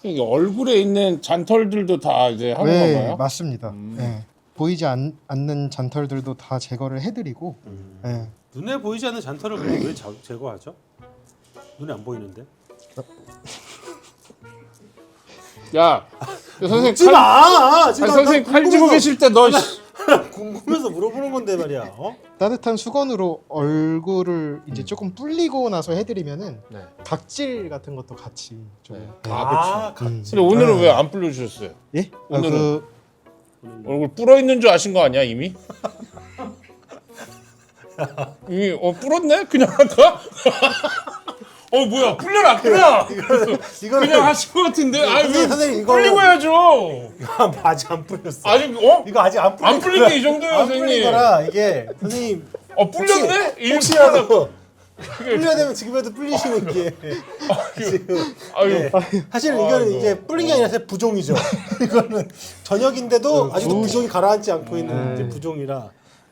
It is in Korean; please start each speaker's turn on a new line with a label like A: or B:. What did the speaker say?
A: 이 얼굴에 있는 잔털들도 다 이제 하는
B: 네,
A: 건가요?
B: 맞습니다. 네. 보이지 않는 잔털들도 다 제거를 해드리고 네.
C: 눈에 보이지 않는 잔털을 근데 왜 제거하죠? 눈에 안 보이는데?
A: 야, 선생님
C: 묻지
A: 칼,
C: 마!
A: 아니, 선생님 칼 쥐고 계실 때 너
C: 궁금해서 물어보는 건데 말이야. 어?
B: 따뜻한 수건으로 얼굴을 이제 조금 불리고 나서 해드리면은
A: 네.
B: 각질 같은 것도 같이 좀.
A: 네.
B: 네.
C: 아,
A: 근데 오늘은 왜 안 불러주셨어요?
B: 예?
A: 오늘은 얼굴 불어 있는 줄 아신 거 아니야 이미? 이미 불었네? 그냥 할까? 뭐야 불려라 그냥
C: 이거는
A: 그냥 하신 것 같은데 아왜
C: 선생님, 이거는-
A: 불리고 해야죠.
C: 이거 아직 안 풀렸어.
A: 아직
C: 이거 아직 안 풀린
A: 안 풀린 게 이 정도예요
C: 안 풀린
A: 선생님.
C: 거라 이게 선생님
A: 불렸네?
C: 혹시라도 풀려야 되면 지금이라도 풀리시는 게 지금
A: 아유
C: 네. 사실 이거는
A: 아이고.
C: 이게 풀린 게 아니라 사실 부종이죠. 이거는 저녁인데도 아직도 부종이 가라앉지 않고 있는 이제 부종이라